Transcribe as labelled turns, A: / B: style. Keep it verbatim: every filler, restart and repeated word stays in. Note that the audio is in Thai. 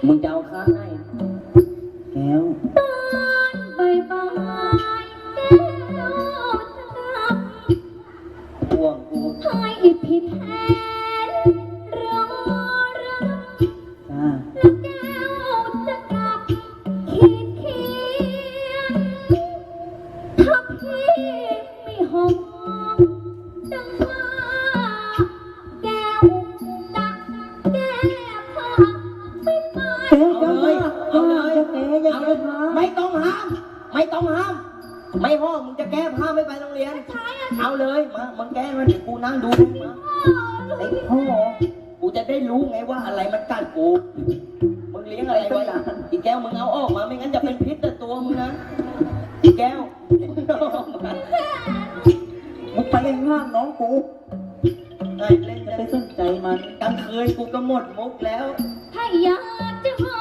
A: มึงจะเอาข้างไหนแก้ว
B: ตอนบ่ายๆแก้วจะกลับ
A: ห่วงกู
B: ให้ผิดแผนรอรับ
A: จ้า
B: แล้วแก้วจะกลับคิดเคียนถ้าพี่ไม่หอมดังว่าแก้วดักแก้ผ้าไม่ไป
A: เอาเลยเอาเลยเอาเลยไม่ต้องห้ามไม่ต้องห้ามไม่ห้องมึงจะแก้ผ้าไม่ไปโรงเรียนเอาเลยมามึงแก้มันเดี๋ยวกูนั่งดูมาไอ้พ่อกูจะได้รู้ไงว่าอะไรมันกัดกูมึงเลี้ยงอะไรไว้อีแก้วมึงเอาออกมาไม่งั้นจะเป็นพิษต่อตัวมึงนะอีแก้วมึงไปเล่นห้างน้องกูไอ้เล่นจะไปสนใจมันกลางคืนกูก็หมดมุกแล้ว
B: ถ้าอยากจะหอ